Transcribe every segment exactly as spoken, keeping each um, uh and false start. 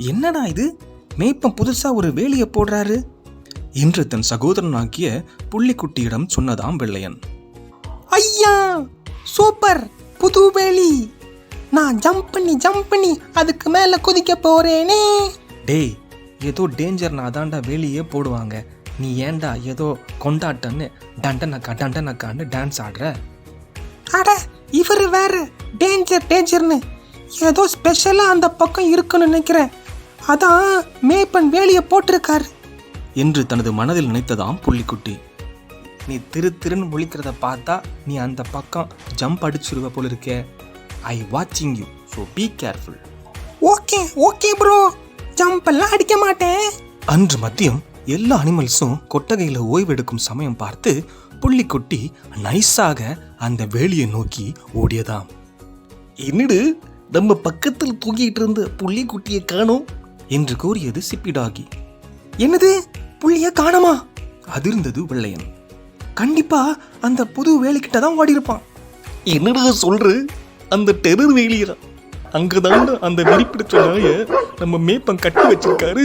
என்னடா இது, மேய்ப்பன் புதுசா ஒரு வேலியை போடுறாரு என்று தன் சகோதரனாகிய புள்ளிக்குட்டியிடம் சொன்னதாம் வெள்ளையன். ஐயா சூப்பர், புது வேலி, நான் ஜம்ப் பண்ணி ஜம்ப் பண்ணி அதுக்கு மேல குதிக்க போறேனே. டேய், ஏதோ டேஞ்சர்னா அதான்டா வேலியே போடுவாங்க, நீ ஏன்டா ஏதோ கொண்டாட்டன்னு டண்டனக்கா டண்டனக்கான்னு டான்ஸ் ஆடுற? அட இவரு வேற டேஞ்சர் டேஞ்சர்னு ஏதோ ஸ்பெஷலா அந்த பக்கம் இருக்குன்னு நினைக்கிறேன், அதான் மேய்ப்பன் வேலியை போட்டிருக்காரு என்று தனது மனதில் நினைத்ததாம் புள்ளிக்குட்டி. நீ திரு திருன்னு முழிக்கிறத பார்த்தா நீ அந்த பக்கம் ஜம்ப் அடிச்சிருவ போல இருக்கே. ஐ வாட்சிங் you, so be careful. Okay okay bro, jump எல்லாம் அடிக்க மாட்டேன். அன்று மதியம் எல்லா அனிமல்ஸும் கொட்டகையில் ஓய்வெடுக்கும் சமயம் பார்த்து புள்ளிக்குட்டி நைஸாக அந்த வேலியை நோக்கி ஓடியதாம். என்னடு நம்ம பக்கத்தில் தூங்கிட்டு இருந்த புள்ளிக்குட்டியை காணோம் என்று கூறியது சிப்பிடாகி. என்னது, புள்ளிய காணமா? அதிர்ந்தது வெள்ளையன். கண்டிப்பா அந்த புது வேலிக்கிட்ட தான் ஓடி இருப்பான். என்னடா சொல்ற? அந்த டெரர் வேலியா? அங்கதான் அந்த வெறிப்பிடிச்ச நாய நம்ம மேய்ப்பன் கட்டி வச்சிருக்காரு.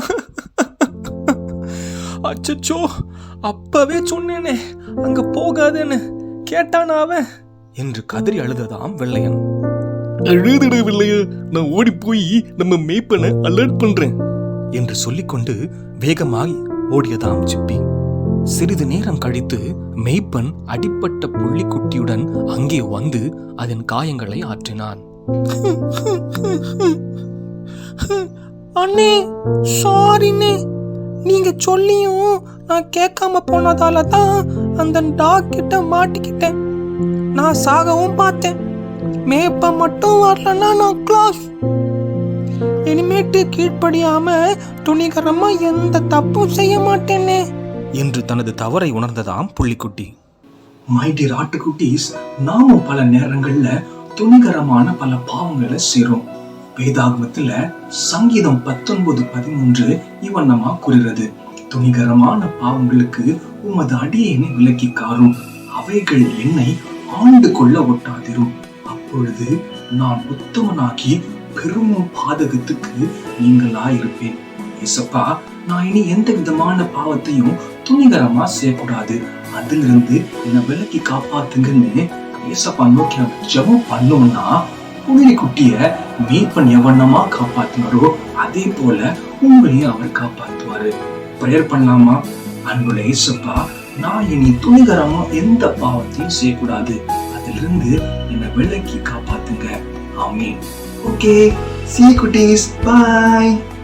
அச்சச்சோ, அப்பவே சொன்னேனே அங்க போகாதேன்னு, கேட்டானா அவன் என்று கதறி அழுததாம் வெள்ளையன். அழுதுட வெள்ளையா, நான் ஓடி போய் நம்ம மேய்ப்பனை அலர்ட் பண்றேன் என்று சொல்லிக்கொண்டு வேகமாய் ஓடியதாம் சிப்பி. சிறிது நேரம் கழித்து மேய்ப்பன் அடிப்பட்ட புள்ளிக்குட்டியுடன் அங்கே வந்து அதன் காயங்களை ஆற்றினான். அண்ணே சாரிண்ணே, நீங்க சொல்லியும் நான் கேட்காம போனதால தான் அந்த டாக் கிட்ட மாட்டிக்கிட்டேன். நான் சாகவும் பார்த்தேன், மேய்ப்ப மட்டும் வரலன்னா நான் கிளாஸ். இனிமேட்டு கீழ்ப்படியாம துணிகரமா எந்த தப்பும் செய்ய மாட்டேனே என்று தனது தவறை உணர்ந்ததாம் புள்ளிக்குட்டி. மை டியர் ஆட்டுக்குட்டீஸ், நாமும் பல நேரங்கள்ல துணிகரமான பல பாவங்களை செய்றோம். வேதாகமத்துல சங்கீதம் பத்தொன்பது பதிமூன்று இவண்ணமா கூறுகிறது, துணிகரமான பாவங்களுக்கு உமது அடியேனை விலக்கி காரும், அவைகள் என்னை ஆண்டு கொள்ள ஒட்டாதிரும், அப்பொழுது நான் உத்தமனாகி பெரும் பாதகத்துக்கு நீங்களாயிருப்பேன். ஏசப்பா, நான் இனி எந்த விதமான பாவத்தையும் துணிகரமா செய்யக்கூடாது, அதிலிருந்து என்னை விலக்கி காப்பாத்துங்கன்னு ஏசப்பா நோக்கி நம்ம ஜெபம் பண்ணோம்னா புள்ளிக்குட்டிய மேய்ப்பன் எவண்ணமா காப்பாத்துனாரோ அதே போல உங்களையும் அவர் காப்பாத்துவாரு. பிரேயர் பண்ணலாமா? அன்புள்ள ஏசப்பா, நான் இனி துணிகரமா எந்த பாவத்தையும் செய்யக்கூடாது, அதிலிருந்து என்னை விலக்கி காப்பாத்துங்க. Amen. Okay, see you cuties, bye.